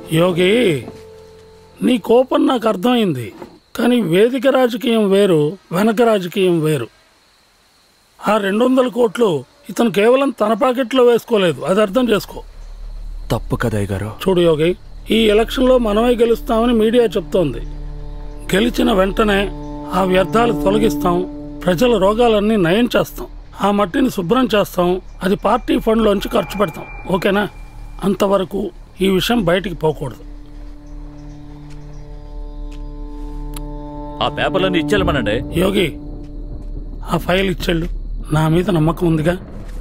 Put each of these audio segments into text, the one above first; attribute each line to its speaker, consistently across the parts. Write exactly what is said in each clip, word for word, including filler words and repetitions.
Speaker 1: యోగి, నీ కోపం నాకు అర్థమైంది, కానీ వేదిక రాజకీయం వేరు, వెనక రాజకీయం వేరు. ఆ రెండు వందల కోట్లు ఇతను కేవలం తన పాకెట్లో వేసుకోలేదు, అది అర్థం చేసుకో.
Speaker 2: తప్పు కదా గారు.
Speaker 1: చూడు యోగి, ఈ ఎలక్షన్లో మనమే గెలుస్తామని మీడియా చెప్తోంది. గెలిచిన వెంటనే ఆ వ్యర్థాలు తొలగిస్తాం, ప్రజల రోగాలన్నీ నయం చేస్తాం, ఆ మట్టిని శుభ్రం చేస్తాం, అది పార్టీ ఫండ్లోంచి ఖర్చు పెడతాం. ఓకేనా? అంతవరకు ఈ విషయం బయటికి పోకూడదు.
Speaker 3: ఆ పేపర్లన్నీ ఇచ్చేళ్ళమనండి.
Speaker 1: యోగి, ఆ ఫైల్ ఇచ్చేళ్ళు. నా మీద నమ్మకం ఉందిగా?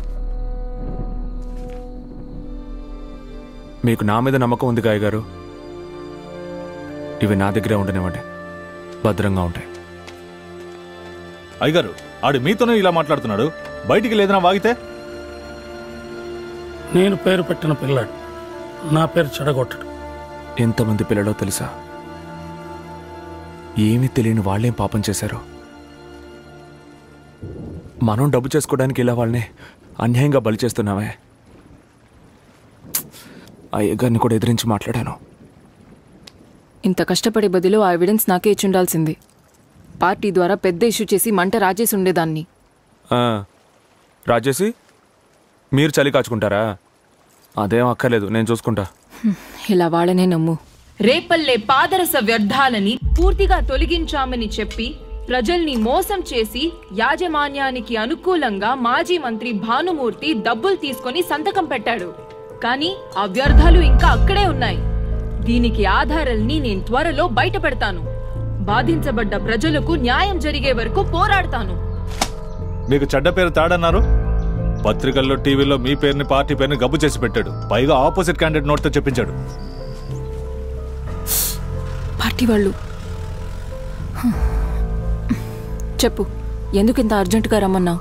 Speaker 2: మీకు నా మీద నమ్మకం ఉంది గాయ గారు. ఇవి నా దగ్గరే ఉండనివ్వండి, భద్రంగా ఉంటాయి.
Speaker 4: అయ్యగారు, ఆడు మీతోనే ఇలా మాట్లాడుతున్నాడు, బయటికి లేదన్నా వాగితే?
Speaker 1: నేను పేరు పెట్టిన పిల్లాడు, నా పేరు చెడగొట్టడు.
Speaker 2: ఎంతమంది పిల్లలో తెలుసా? ఏమీ తెలియని వాళ్ళేం పాపం చేశారు. మనం డబ్బు చేసుకోవడానికి ఇలా వాళ్ళని అన్యాయంగా బలి చేస్తున్నామే. అయ్యగారిని కూడా ఎదిరించి మాట్లాడాను.
Speaker 5: ఇంత కష్టపడే బదులు ఆ ఎవిడెన్స్ నాకే ఇచ్చుండాల్సింది. పార్టీ ద్వారా పెద్ద ఇష్యూ చేసి మంట రాజేసి ఉండేదాన్ని.
Speaker 2: రాజేసి మీరు చలి కాచుకుంటారా? అదేం అక్కర్లేదు, నేను చూసుకుంటా.
Speaker 5: ఇలా వాళ్ళనే నమ్ము.
Speaker 6: రేపల్లె పాదరస వ్యర్థాలని పూర్తిగా తొలగించామని చెప్పి ప్రజల్ని మోసం చేసి యాజమాన్యానికి అనుకూలంగా మాజీ మంత్రి భానుమూర్తి డబ్బులు తీసుకొని సంతకం పెట్టాడు. కానీ ఆ వ్యర్థాలు ఇంకా అక్కడే ఉన్నాయి. దీనికి ఆధారాల్ని నేను త్వరలో బయట పెడతాను. బాధించబడ్డ ప్రజలకు న్యాయం జరిగే వరకు పోరాడతాను.
Speaker 4: మీకు చెడ్డ పేరు తాడన్నారు. పత్రికల్లో, టీవీలో మీ పేరుని, పార్టీ పేరుని గబ్బు చేసి పెట్టాడు. పైగా ఆపోజిట్ క్యాండిడేట్ నోట్తో చెప్పించాడు.
Speaker 5: పార్టీ వాళ్ళు చెప్పు, ఎందుకు ఇంత అర్జెంటుగా రమ్మన్నావు?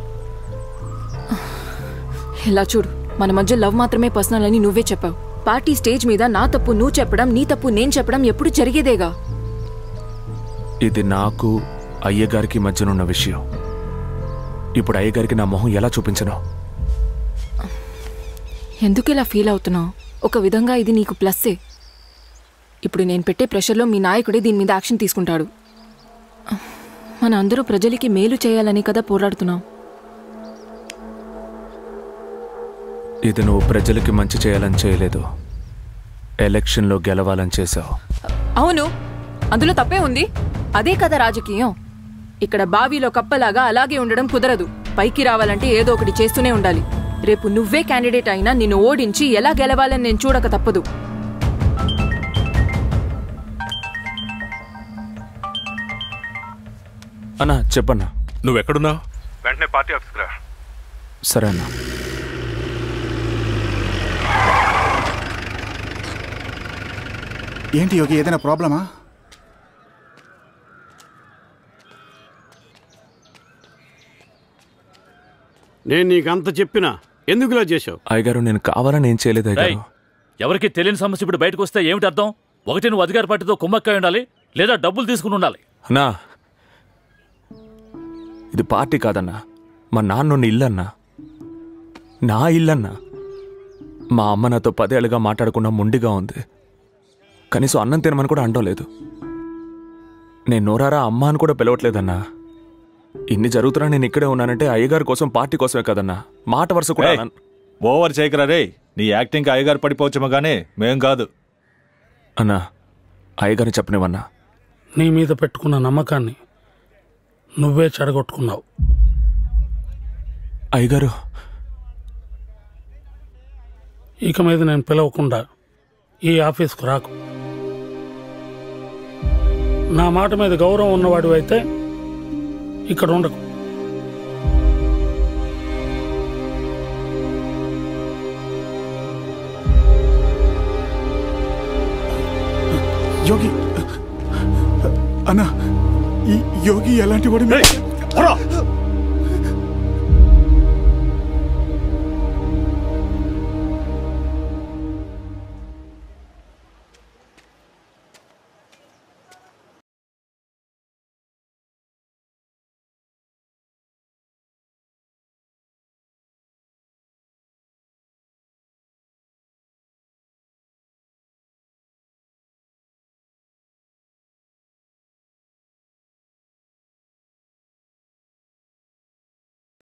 Speaker 5: ఇలా చూడు, మన మధ్య లవ్ మాత్రమే పర్సనల్ అని నువ్వే చెప్పావు. పార్టీ స్టేజ్ మీద నా తప్పు నువ్వు చెప్పడం, నీ తప్పు నేను చెప్పడం ఎప్పుడు జరిగేదేగా.
Speaker 2: ఇది నాకు అయ్యగారికి మధ్యనున్న విషయం. ఇప్పుడు అయ్యగారికి నా మొహం ఎలా చూపించను?
Speaker 5: ఎందుకు ఇలా ఫీల్ అవుతున్నావు? ఒక విధంగా ఇది నీకు ప్లస్సే. ఇప్పుడు నేను పెట్టే ప్రెషర్లో మీ నాయకుడే దీని మీద యాక్షన్ తీసుకుంటాడు. మన అందరూ ప్రజలకి మేలు చేయాలని కదా పోరాడుతున్నాం.
Speaker 2: ఇది నువ్వు ప్రజలకి మంచి చేయాలని చేయలేదు, ఎలక్షన్లో గెలవాలని చేశావు.
Speaker 5: అవును, అందులో తప్పే ఉంది. అదే కదా రాజకీయం. ఇక్కడ బావిలో కప్పలాగా అలాగే ఉండడం కుదరదు. పైకి రావాలంటే ఏదో ఒకటి చేస్తూనే ఉండాలి. రేపు నువ్వే క్యాండిడేట్ అయినా నిన్ను ఓడించి ఎలా గెలవాలని నేను చూడక తప్పదు.
Speaker 2: అన్నా చెప్పన్నా.
Speaker 7: నువ్వెక్కడున్నావు?
Speaker 8: వెంటనే పార్టీ ఆఫీస్కి రా.
Speaker 2: సరే అన్నా.
Speaker 9: ఏంటి యోగి, ఏదైనా ప్రాబ్లమా?
Speaker 10: నేను నీకంత చెప్పినా ఎందుకు ఇలా చేశావు?
Speaker 2: అయ్యగారు, నేను కావాలని ఏం చేయలేదు అయ్యగారు.
Speaker 3: ఎవరికి తెలియని సమస్య ఇప్పుడు బయటకు వస్తే ఏమిటి అర్థం? ఒకటి నువ్వు అధికార పార్టీతో కుమ్మక్కై ఉండాలి, లేదా డబ్బులు తీసుకుని ఉండాలి.
Speaker 2: అన్నా, ఇది పార్టీ కాదన్నా, మా నాన్న ఇల్లన్నా, నా ఇల్లన్నా. మా అమ్మ నాతో పదేళ్ళుగా మాట్లాడకుండా మొండిగా ఉంది. కనీసం అన్నం తినమని కూడా అండలేదు. నేను నోరారా అమ్మ అని కూడా పిలవట్లేదన్నా. ఇన్ని జరుగుతున్నా నేను ఇక్కడే ఉన్నానంటే అయ్యగారి కోసం, పార్టీ కోసమే కదన్నా. మాట వరుస కూడా
Speaker 4: ఓవర్ చేయకరా రే. నీ యాక్టింగ్ అయ్యగారు పడిపోవచ్చేమో కానీ మేం కాదు.
Speaker 2: అన్నా, అయ్యగారిని చెప్పనివన్నా.
Speaker 1: నీ మీద పెట్టుకున్న నమ్మకాన్ని నువ్వే చెడగొట్టుకున్నావు.
Speaker 2: అయ్యగారు,
Speaker 1: ఇక మీద నేను పిలవకుండా ఈ ఆఫీస్కు రాకు. నా మాట మీద గౌరవం ఉన్నవాడు అయితే ఇక్కడ ఉండకు.
Speaker 9: యోగి అన్నా, ఈ యోగి ఎలాంటి వాడు?